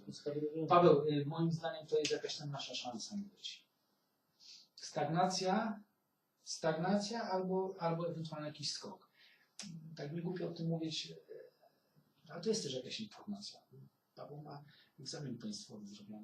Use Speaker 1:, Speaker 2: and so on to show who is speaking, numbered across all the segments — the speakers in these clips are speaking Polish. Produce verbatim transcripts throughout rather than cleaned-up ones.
Speaker 1: Paweł, y, moim zdaniem to jest jakaś tam nasza szansa być. Stagnacja, stagnacja albo, albo ewentualnie jakiś skok. Tak mi głupio o tym mówić, y, ale to jest też jakaś informacja. Paweł ma egzamin państwowy zrobiony.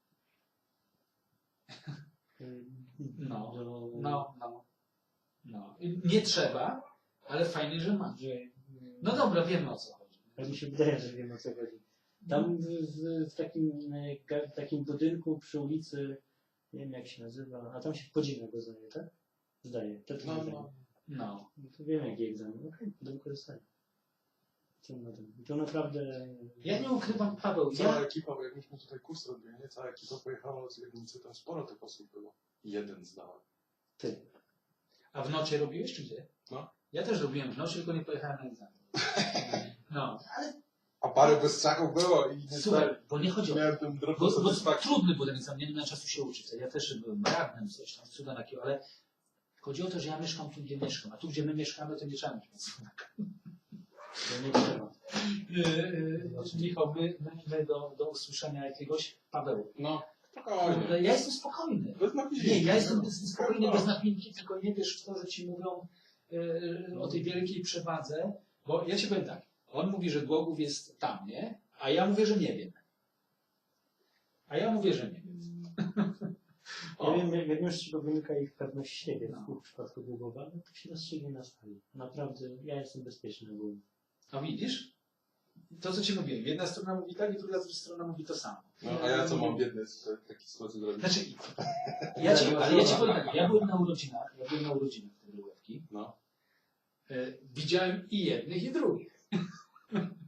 Speaker 1: No, no, no. no. Nie trzeba, ale fajnie, że ma. No dobra, wiemy o co chodzi.
Speaker 2: Tak mi się wydaje, że wiem o co chodzi. Tam w, w, w takim, w takim budynku przy ulicy, nie wiem jak się nazywa, a tam się podziemia go zdaje, tak? Zdaje. To,
Speaker 1: No, no. no.
Speaker 2: no to wiem jaki egzamin. Okej, do wykorzystania. Co na tym? To naprawdę...
Speaker 1: Ja nie ukrywam, Paweł.
Speaker 3: Cała
Speaker 1: Ja...
Speaker 3: ekipa, bo jak myśmy tutaj kurs robili, nie? Cała ekipa pojechała z Legnicy, tam sporo tych osób było. Jeden zdałem.
Speaker 2: Ty.
Speaker 1: A w nocie robiłeś, czy gdzie?
Speaker 3: No.
Speaker 1: Ja też robiłem w nocie, tylko nie pojechałem na egzamin. No, ale...
Speaker 3: A parę bez strachów było i nie
Speaker 1: Słuchaj, bo nie chodzi o...
Speaker 3: miałem ten
Speaker 1: Bo,
Speaker 3: drobną
Speaker 1: bo
Speaker 3: satysfakcję.
Speaker 1: trudny był ten egzamin, nie miałem czasu się uczyć. Ja też byłem radnym, coś tam, cuda takiego, ale chodzi o to, że ja mieszkam tu, gdzie mieszkam, a tu, gdzie my mieszkamy, to nie trzeba mieć cuda.
Speaker 2: To nie trzeba.
Speaker 1: Yy, yy, Michał, my, my, my do, do usłyszenia jakiegoś... Paweł.
Speaker 3: No, spokojnie.
Speaker 1: Ja jestem spokojny.
Speaker 3: Bez napięcia.
Speaker 1: Nie, ja jestem spokojny, bez napięcia, tylko nie wiesz w to, że ci mówią yy, o tej wielkiej przewadze, bo ja ci powiem tak, on mówi, że Głogów jest tam, nie? A ja mówię, że nie wiem. A ja mówię, że nie wiem.
Speaker 2: Ja wiem, jak, jak już z czego wynika ich pewność siebie
Speaker 1: No.
Speaker 2: w przypadku Głogowa, no to się rozstrzygnie na sali. Naprawdę, ja jestem bezpieczny ogólnie.
Speaker 1: A widzisz? To, co ci mówiłem. Jedna strona mówi tak i druga strona mówi to samo.
Speaker 3: No, a ja co mam biedny z takiej sytuacji zrobić?
Speaker 1: Znaczy, ja ci, ale ja ci powiem tak, ja byłem na urodzinach, ja byłem na urodzinach tej Wrówki.
Speaker 3: No.
Speaker 1: E, widziałem i jednych, i drugich.